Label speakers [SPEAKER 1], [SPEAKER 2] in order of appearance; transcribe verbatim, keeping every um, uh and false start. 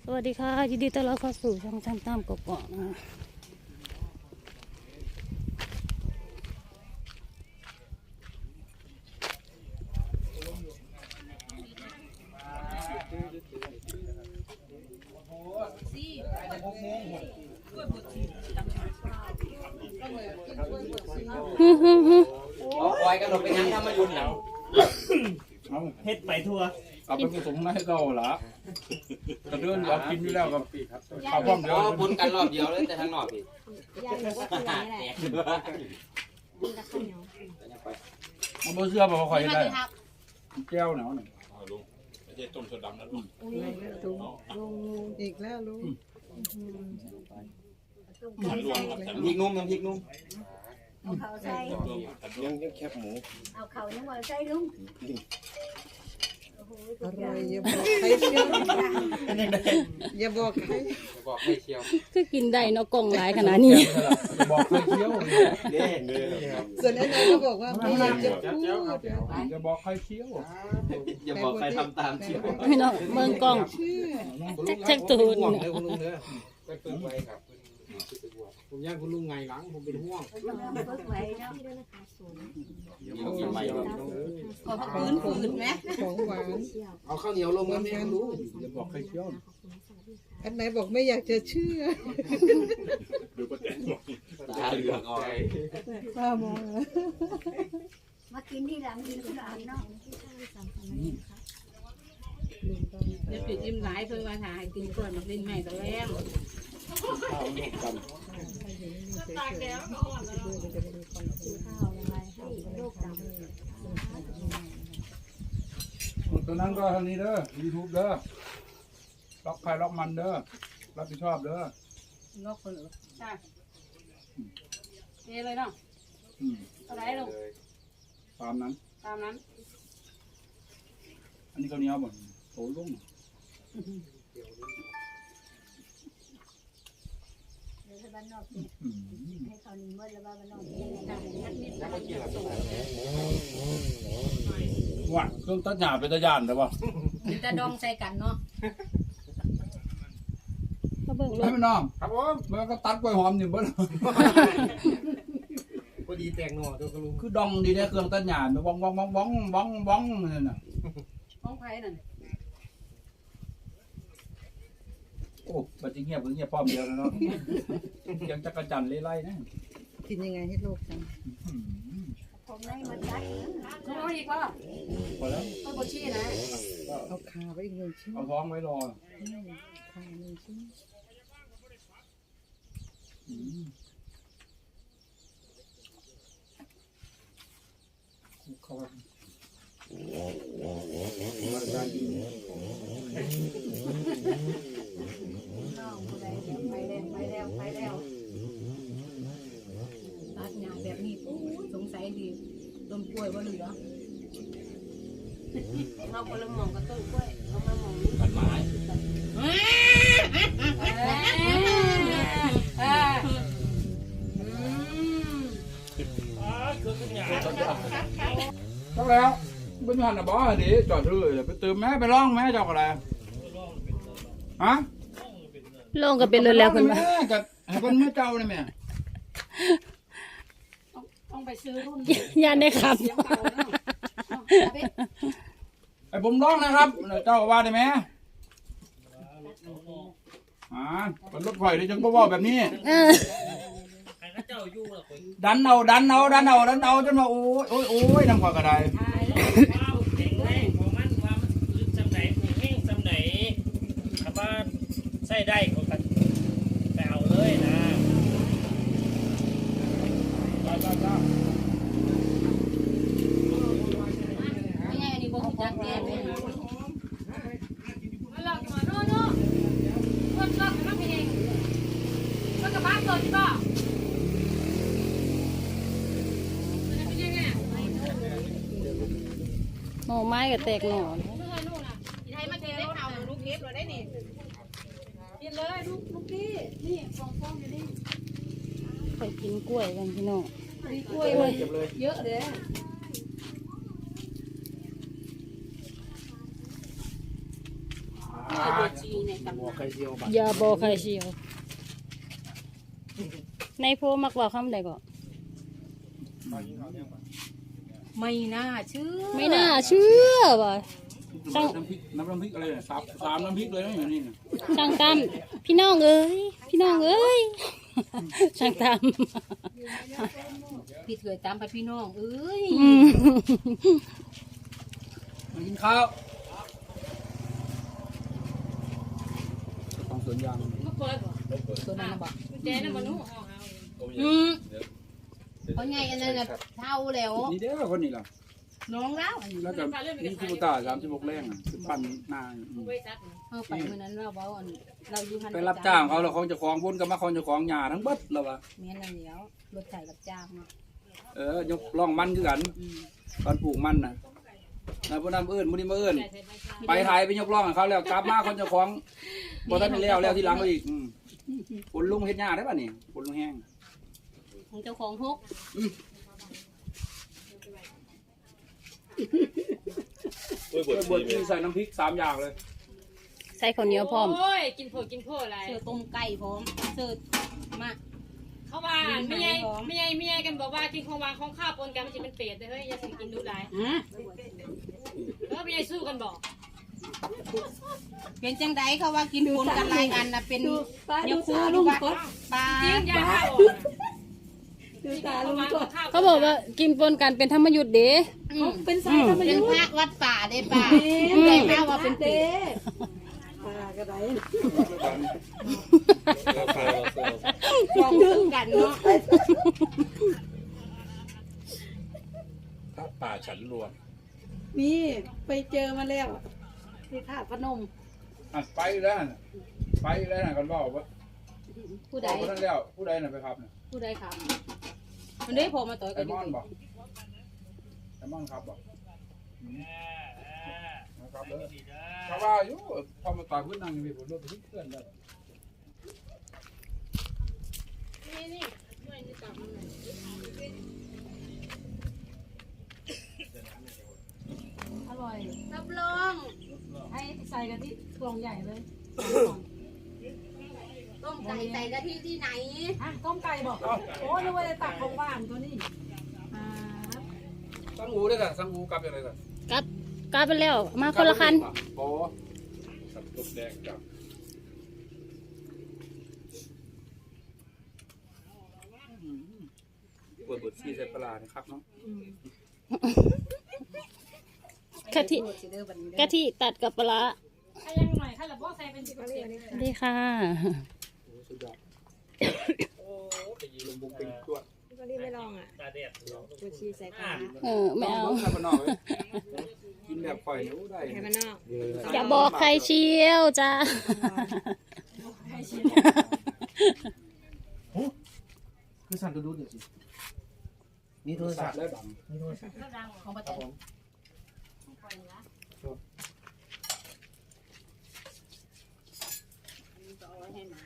[SPEAKER 1] สวัสดีค่ะยินดีต้อนรับเข้าสู่ช่องช่างตั้มกกอกนะฮึฮึฮึ
[SPEAKER 2] เอาควายกันหลบไปยังทำมายุ่นหนัง
[SPEAKER 3] เฮ็ดไปทั่ว
[SPEAKER 4] เอาไปผสมให้เราละกระเดื่อนเรากินอยู่แล้วกับข้าวป้อมเดียว
[SPEAKER 2] อ๋อบุญกันรอบเดียวเลยแต่ทางนอกพี่
[SPEAKER 5] ยายบอกว่าคืออะไรแหละ
[SPEAKER 2] แตกเลย
[SPEAKER 5] มีแต่ข้าวเหนียว
[SPEAKER 4] มันบ่เชื่อบอกว่าคอยได้แก้วหนาวหนึ่ง
[SPEAKER 3] ลุงไม่ใช่ต้มสดดำนะลุง
[SPEAKER 6] อีกแล้วลุง
[SPEAKER 3] มันรวม
[SPEAKER 2] พริกนุ่มน้ำพริกนุ่ม
[SPEAKER 5] เอาเขาใส่
[SPEAKER 3] รวมกันรว
[SPEAKER 7] ยั
[SPEAKER 3] ม
[SPEAKER 7] งยังแคบหมู
[SPEAKER 5] เอาเขายังว่าใส่ลุงโอ้โห
[SPEAKER 6] อร่อยอย่าบอกใครเชียวอย่าบอกใคร
[SPEAKER 2] จะบอกให้เชียว
[SPEAKER 1] คือกินได้เนาะกล่องหลายขนาดนี้
[SPEAKER 4] บอกเคยเคี้ยว
[SPEAKER 7] เด้เด้ครับ
[SPEAKER 6] ส่วนอันนั้นก็บอกว่าไม่อยากจะพูด
[SPEAKER 4] จะบอกใครเคี้ยว
[SPEAKER 2] อย่าบอกใครทำตามเชียว
[SPEAKER 1] พี่น้องเมืองกล้อง
[SPEAKER 6] เชื่อ
[SPEAKER 1] จักจักตูน
[SPEAKER 7] ห่วงเลยคุณลุงเด้อก็เพิ่งไปครับผมย่างคุณลุงไงหลังผมเป็นห่วง
[SPEAKER 5] เบิกไว้เนาะ
[SPEAKER 2] เดี๋ยวกินใหม่เลย
[SPEAKER 6] ขอพื้นผืนไหมของหวาน
[SPEAKER 7] เอาข้าวเหนียวลงมาแม่คุณลุง
[SPEAKER 4] จะบอกใครเคี้ยว
[SPEAKER 6] อันไหนบอกไม่อยากจะเชื่อ
[SPEAKER 3] ดูประเด็น
[SPEAKER 2] ตาเหลืองออก
[SPEAKER 6] ป้ามอง
[SPEAKER 5] มากินที่หลังกินที่หลังเนาะ
[SPEAKER 8] จะปิดยิ้มหลายเพื่อมาถ่ายกินก่อนมาเล่นใหม่ตัวแรก
[SPEAKER 7] ข้าวลูกกัน
[SPEAKER 5] ข้าวยังไงให้โรคดำ
[SPEAKER 4] ตอนนั้นก็ทางนี้เด้อยูทูบเด้อล็อกใครล็อกมันเด้อรับผิดชอบเด้อ
[SPEAKER 8] นกคนหรือใช่เอเลยเนาะ
[SPEAKER 4] อืม
[SPEAKER 8] อะไรลง
[SPEAKER 4] ตามนั้น
[SPEAKER 8] ตามนั้น
[SPEAKER 4] อันนี้เขาเนี้ยบ่นโตลุ่ง
[SPEAKER 5] เดี๋ยวบ้านนอกกิน
[SPEAKER 4] อืม
[SPEAKER 5] ให้เขาหนึ่งมื้อแล้วบ้านนอกกินได้ทักนิด
[SPEAKER 4] ว่าเครื่องตัดหญ้าเป็นตะยานแต่ว่า
[SPEAKER 8] กินแต่ดองใส่กันเนาะ
[SPEAKER 1] มาเบิ่งร
[SPEAKER 4] ให้
[SPEAKER 1] ถ
[SPEAKER 4] มันน้อง
[SPEAKER 7] ครับผม
[SPEAKER 4] มันก็ตัดกล้วยหอมอยู่เบิ่
[SPEAKER 7] พอดีแตงหน่อตัวคุณลุง
[SPEAKER 4] คือดองดีเนี่ยเครื่องตัดหญ้ามันบ้องบ้องบ้องบ้องบ้องบ้องนั่นน่ะ
[SPEAKER 8] ห้องไผ่นั่น
[SPEAKER 4] โอ้ปัจจุบันเงียบเงียบป้อมเดียวแล้วเนาะ ยังจักรจันทร์ไล่ๆนะ
[SPEAKER 6] กินยังไงให้โลกจ
[SPEAKER 5] ผมได้มาจัด
[SPEAKER 8] น้องอีกว่า
[SPEAKER 4] พอแล้ว
[SPEAKER 8] ต้นบชี้นะ
[SPEAKER 6] ำเอาขาไว้อีกหนึ่งชิ้น
[SPEAKER 4] เอาท้องไว้รอ
[SPEAKER 6] ขาหนึ่งชิ้น
[SPEAKER 4] อืมเข้าไป
[SPEAKER 5] น้องผู้ใดไปแล้วไปแล้วไปแล้ว
[SPEAKER 8] ตัดหญ้าแบบนี้ปุ๊บสงสัยดีต้นกล้วยว่าเหลือเราคนละมองกับต้นกล้วยเรามามอง
[SPEAKER 2] กันไม้
[SPEAKER 4] ต้องแล้วเป็นหันนะบอสดิจอดเลยไปเติมแม่ไปร้องแม่เจ้าอะไรฮะ
[SPEAKER 1] ลงก็เป็นรถแล้วคุณ
[SPEAKER 4] แม่กับให้คนเมื่อเจ้าเนี่ยแม่
[SPEAKER 8] ต้องไปซื้อรุ่น
[SPEAKER 1] ยานได้ขับ
[SPEAKER 8] เสียงเก่าเนาะ
[SPEAKER 4] ไอ้ผมร้องนะครับเจ้าว่าได้ไหมอ่าเป็นรถไฟที่จังก็ว่าแบบนี้
[SPEAKER 1] เออ
[SPEAKER 4] ดันเอาดันเอาดันเอาดันเอาจนว่าโอ้ยโอ้ยโอ้ยน้ำกว่ากระได
[SPEAKER 9] แข็งแรงของมันว่ามันคือจำไหนผูกแห้งจำไหนถ้าว่าใส่ได้ก็กันไปเอาเลยนะ
[SPEAKER 4] จ้าจ้าจ้า
[SPEAKER 8] ไม่ใช่อันนี้บอกจักแก่เลยมาหลอกมาโน่โน่คนหลอกมันเป็นเองมันกับบ้านตัวที่บ้า
[SPEAKER 1] หน่อไม้ก็แตกหน่อ
[SPEAKER 8] ไทยมาเทได้เอาลูกเก็บเราได้นี่กินเลยลูกลูกพี่นี่ฟองฟองอยู่นี่
[SPEAKER 1] ไปกินกล้วยกันพี่น้อง
[SPEAKER 8] มีกล้วยเยอะเลย
[SPEAKER 4] อ่า
[SPEAKER 8] บัวชีเนี่ย
[SPEAKER 7] บอกใครเชียวบัตร
[SPEAKER 1] อย่าบอกใครเชียว ในโพมักว่าคำใดก็
[SPEAKER 8] ไม่น่าเชื่อ
[SPEAKER 1] ไม่น่าเชื่อว่ะ
[SPEAKER 4] น้ำพริกน้ำน้ำพริกอะไรเนี่ยสามสามน้ำพริกเลยนะอยู่นี่นะ
[SPEAKER 1] ช่างตามพี่น้องเอ้ยพี่น้องเอ้ยช่างตาม
[SPEAKER 8] พี่เถยตามไปพี่น้องเอ้ย
[SPEAKER 1] อืม
[SPEAKER 4] มากินข้าวของสวนยาง
[SPEAKER 8] มาเปิดบ่
[SPEAKER 6] ตัวนั้นบอก
[SPEAKER 8] กุญแจน่ะบ่หนูเอาเอา
[SPEAKER 1] อืม
[SPEAKER 8] เพราะไงอันนั้นน่ะเท่าแล้ว
[SPEAKER 4] นี่เด้อคนนี้ล่ะ
[SPEAKER 8] น้องแล้ว
[SPEAKER 4] แล้วก็นี่คือตาสามสิบหกแรงอ่ะคือปั้นหน้าอืม
[SPEAKER 8] ไว้ตัด
[SPEAKER 1] เฮาไปมื้อนั้นเราเว้าอันเราอยู่หัน
[SPEAKER 4] ไปรับจ้างเขาแล้วเขาจะของบุญกับมาเขาจะของหญ้าทั้งเบิดแล้ววะ
[SPEAKER 1] แม่นอันเดียวรถไถรับจ้างเนาะ
[SPEAKER 4] เออยกล่องมันคือกัน
[SPEAKER 1] อืม
[SPEAKER 4] ตอนปลูกมันนะแล้วพวกนั้นเอื้นมุนี้มาเอื้นไปไทยไปยกล่องให้เขาแล้วกลับมาคนเจะของบ่ทันได้แล้วแล้วที่หลังเขาอีกอืมฝนลุงเฮ็ดหญ้าได้ป่ะนี่ฝนลุงแห้ง
[SPEAKER 1] ของเจ้าของพก
[SPEAKER 3] โอ้ยบ
[SPEAKER 4] เอ
[SPEAKER 3] ด
[SPEAKER 4] อบดที่ใส่น้ำพริกสามอย่างเลย
[SPEAKER 1] ใส่ข้าวเหนียวพร้อม
[SPEAKER 8] โอ้ยกินโผกินโผอะไร
[SPEAKER 1] เสือต้มไก่พร้อมเสือมา
[SPEAKER 8] เขาว่าไม่ใหญ่ไม่ใหญ่ไม่ใหญ่กันบอกว่ากินของวางของข้าวปนกันมันจะเป็นเป็ดเลยเฮ้ยอย่าสิกินดูหลาย
[SPEAKER 1] ฮะ
[SPEAKER 8] เออไม่ใหญ่สู้กันบอก
[SPEAKER 1] เป็นจังไดเขาว่ากินปนกันหลายอันน่ะเป็นยกคู่ลุงพดปลา
[SPEAKER 8] จริงยาข้าวดูตาลุงก็
[SPEAKER 1] เขาบอกว่ากินปนกันเป็นธรรมยุทธ์เด้
[SPEAKER 8] เป็นสายธรรม
[SPEAKER 1] เป็น
[SPEAKER 8] ยุท
[SPEAKER 1] พระ
[SPEAKER 8] ธ์
[SPEAKER 1] วัดป่าเด้ป่าเลยข้าวว่าเป็นเป็ด ลองซื้อกันเนาะ
[SPEAKER 3] ถ้าป่าฉันรวม
[SPEAKER 6] นี่ไปเจอมาแล้วที่ท่าพนม
[SPEAKER 4] อ่ะไปแล้วน่ะไปแล้วน่ะกันบอกว่า
[SPEAKER 1] ผู้ใด
[SPEAKER 4] ผู้นั้นแล้วผู้ใดน่ะไปครับน่ะ
[SPEAKER 1] ผู้ใดครับมันได้พอมาต่อย
[SPEAKER 4] ไอ
[SPEAKER 1] กันอ
[SPEAKER 4] ม
[SPEAKER 1] ยู่
[SPEAKER 4] อนบอกไอมอนครับบอกอืมนะครับเด้อเขาว่าอยู่พอมาต่อยพื้นนั่งอยู่พี่ผมรถไปที่เพื่อนเลย
[SPEAKER 8] นี่นี่ด้วยนี่ตับมันหน่อย
[SPEAKER 1] อร่อย
[SPEAKER 8] รับรอง
[SPEAKER 1] ให้ใส่กันที่กล่องใหญ่เลย
[SPEAKER 8] ต้มไก่ใส่กะทิที่ไหน
[SPEAKER 1] อ่ะต้มไก่บอกโอ้นึกว่าจะตักของหวานตัวนี้อ่า
[SPEAKER 4] สังอูด้วยกันสังอูกลับยังไงกัน
[SPEAKER 1] กลับกลับไปแล้วมาคนละคัน
[SPEAKER 4] โอ้
[SPEAKER 3] สับตุ๊กแดงกับ
[SPEAKER 4] เปิดบทซีใส่ปลานะครับเนาะ
[SPEAKER 1] กะทิกะทิตัดกับปลาร้า
[SPEAKER 8] ถ้ายังหน่อยถ้าเราบอกใส่เป็นสิบเปอร์เซ็นต์
[SPEAKER 1] ดีค่ะ
[SPEAKER 4] สุดยอดโอ้ไปยีลมบุกเป็นตัว
[SPEAKER 6] ก็รีบไม่ลองอ่ะ
[SPEAKER 9] ตาเด็ด
[SPEAKER 6] ตัวชีใส่ตา
[SPEAKER 1] เออไม่เอา
[SPEAKER 4] ใส่ปลาหน่อยกินแบบปล่อยนิ้วได้
[SPEAKER 6] ให้มันนอก
[SPEAKER 1] อย่าบอกใครเชียวจ้า
[SPEAKER 7] คือสั่นกระดูดเดี๋ยวสินี่โทรศัพท์
[SPEAKER 4] แล้วดัง
[SPEAKER 7] นี่โทรศัพท์
[SPEAKER 8] ของประเทศ
[SPEAKER 1] ให้หมา